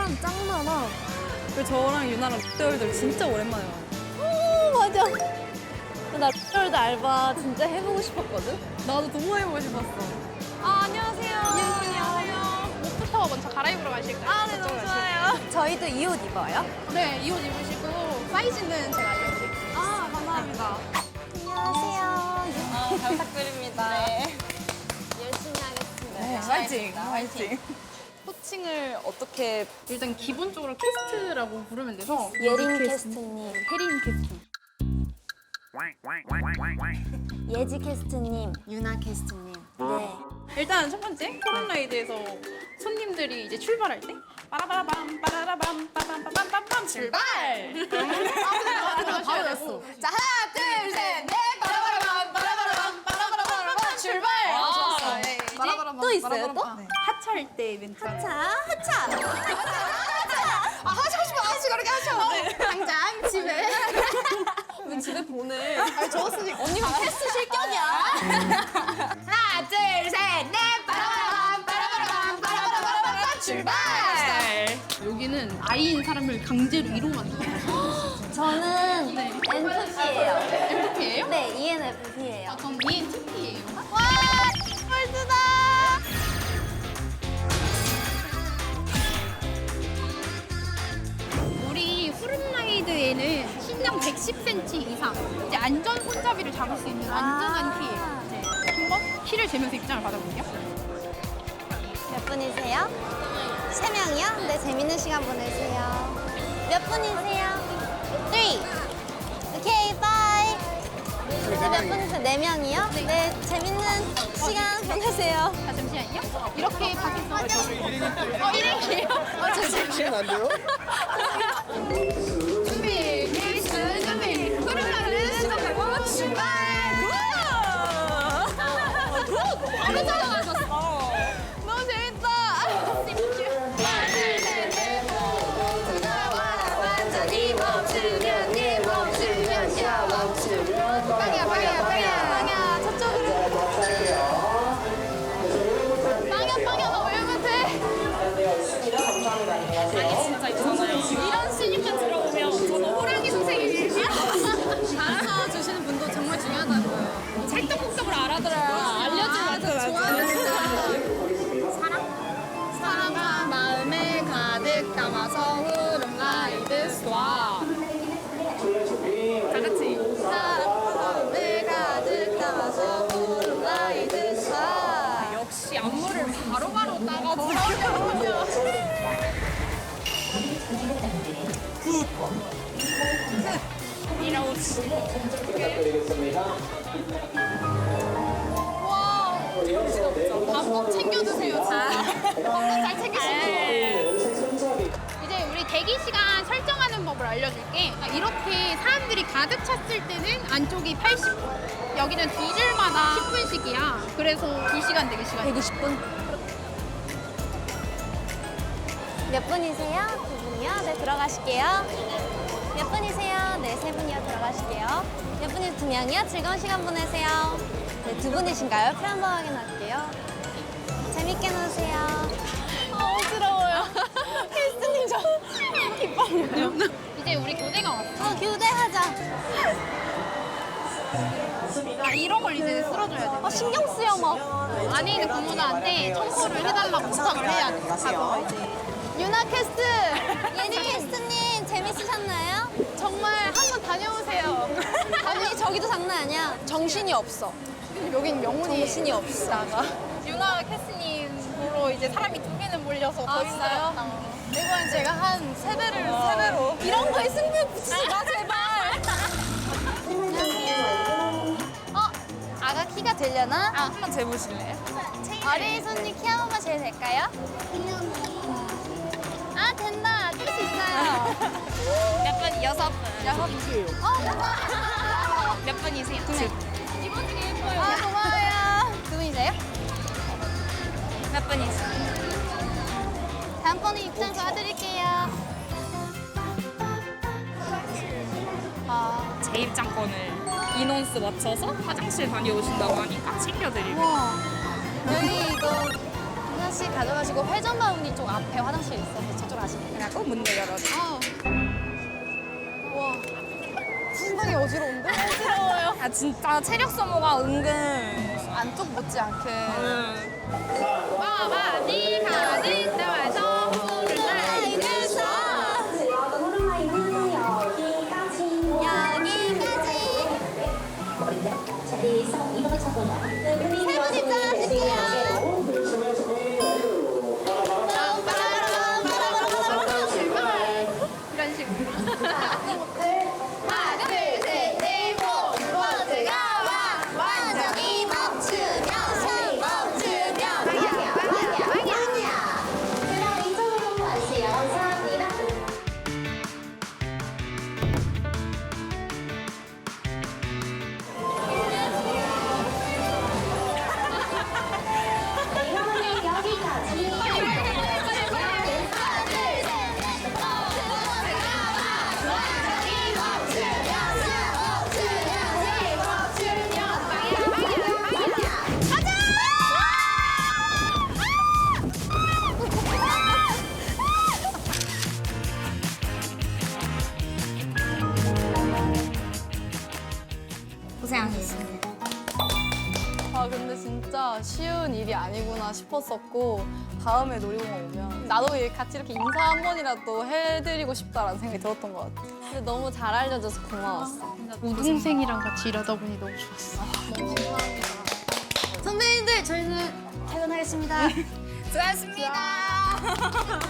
사람 짱 많아. 그리고 저랑 유나랑 롯데월드 진짜 오랜만에 와요. 오, 맞아. 나 롯데월드 알바 진짜 해보고 싶었거든? 나도 너무 해보고 싶었어. 안녕하세요. 안녕하세요. 옷부터 먼저 갈아입으러 가실까요? 네, 너무 좋아요. 저희도 이 옷 입어요? 네, 이 옷 입으시고 사이즈는 제가 알려드릴게요. 감사합니다. 안녕하세요. 잘 부탁드립니다. 열심히 하겠습니다. 화이팅! 화이팅! 호칭을 어떻게 일단 기본적으로 캐스트라고 부르면 돼서 예린 캐스트님, 혜린 캐스트. 예지 캐스트님, 유나 캐스트님. 네. 일단 첫 번째 코로나이드에서 손님들이 이제 출발할 때 빠라바라밤 빠라라밤 빠밤빠밤빰빰 출발. 바로 됐어. 자 하나 둘 셋 넷 빠라바라밤 빠라바라밤 빠라바라밤 출발. 좋았어. 네, 이제 또 있어요, 또? 하차할 때 멘트. 하차. 하시고 싶어 하시고 그렇게 하셔. 당장 집에. 집에 보내. 아니 좋았으니까. 언니가 캐스트 실격이야. 하나 둘셋넷 빠라바라밤 빠라바라밤 빠라바라밤 출발. 여기는 아이인 사람을 강제로 이로 만들어요. 저는 NFP예요. NFP예요? 네, ENFP예요. 전 ENTP예요. 와, 펄스다. 우리 후른라이드에는 신장 110cm 이상 이제 안전 손잡이를 잡을 수 있는 안전한 키예요. 네. 한번 키를 재면서 입장을 받아볼게요. 몇 분이세요? 3명이요? 네, 재밌는 시간 보내세요. 몇 분이세요? 3. 오케이, 바이. 네, 몇 분이세요? 4명이요? 네, 재밌는 시간 보내세요. 자, 잠시만요. 이렇게 밖에서 일행이에요? 시간 안 돼요? 준비, 케이스 준비. 후른라이드 시작하고 출발. 바로 찾아가셨어. 너무 재밌다. 완전히 멈추면 네 멈추면 야 멈추면 빵이야 빵이야 빵이야 빵야, 저쪽으로. 빵이야 너왜 못해? 아니 진짜 있잖아요. 이런 신입만 들어오면 저는 호랑이 선생님이야. 알아서 주시는 분도 정말 중요하다고요. 찰떡궁떡을 알아들어야 알려주면 좋아요. 사랑과 마음에 가득 담아서 후름라이드 쏴. 다 같이. 마음에 가득 담아서 후름라이드 사. 역시 안무를 바로바로 따가지고. 밥 꼭 챙겨드세요, 진짜. 밥은 잘 챙기시고. 이제 우리 대기 시간 설정하는 법을 알려줄게. 이렇게 사람들이 가득 찼을 때는 안쪽이 80분. 여기는 두 줄마다 10분씩이야. 그래서 2시간 대기 시간. 120분. 몇 분이세요? 두 분이요? 네, 들어가실게요. 몇 분이세요? 네, 세 분이요. 들어가실게요. 몇 분이 두 명이요? 즐거운 시간 보내세요. 네, 두 분이신가요? 표 한번 확인할게요. 재밌게 노세요. 어지러워요. 캐스트님 저 기뻐요. 이제 우리 교대가 왔어. 교대하자. 이런 걸 이제 쓸어줘야 돼. 신경 쓰여 막. 안에 있는 부모들한테 청소를 해달라고 부탁을 해야 돼. 가서 이제. 유나 캐스트, 예지 캐스트님 재밌으셨나요? 정말 한번 다녀오세요. 언니 저기도 장난 아니야. 정신이 없어. 여긴 명운이 정신이 없어. 유나 캐스님 보러 이제 사람이 두 배는 몰려서 더 진짜요? 힘들었다. 이건 제가 한 세 배로. 이런 거에 승부 붙이지 마 제발. 안녕하세요. 아가 키가 되려나? 한번 재보실래요? 어린이 손님 키 한 번만 재도 될까요? 아 된다. 뜰 수 있어요. 몇 분? 6분. 몇 분이세요? 두 분. 이번 중에 예뻐요. 아 고마워요. 두 분이세요? 몇 분이세요? 다음번에 입장 도와드릴게요. 제 입장권을 인원수 맞춰서 화장실 다녀오신다고 하니까 챙겨드리고. 여기 이거 하나씩 가져가시고 회전 바구니 쪽 앞에 화장실 있어서 저쪽 가시면 돼요. 하고 문을 열어줘. 와, 상당히 어지러운데? 아 진짜 체력 소모가 은근. 안쪽 못지않게. 많이 가득 담아서 물을 여기까지. 세분 입장하실게요. 이런 식으로. 하나, 둘, 셋, 넷, 포즈가 완전히 멈추면 숨 멈추면 그럼 이쪽으로 가세요. 감사합니다. 이거는 여기까지. 고생하셨습니다. 아, 근데 진짜 쉬운 일이 아니구나 싶었었고, 다음에 놀이공원 오면 나도 같이 이렇게 인사 한 번이라도 해드리고 싶다라는 생각이 들었던 것 같아. 근데 너무 잘 알려줘서 고마웠어. 우동생이랑 같이 일하다 보니 너무 좋았어. 선배님들, 저희는 퇴근하겠습니다. 수고하셨습니다.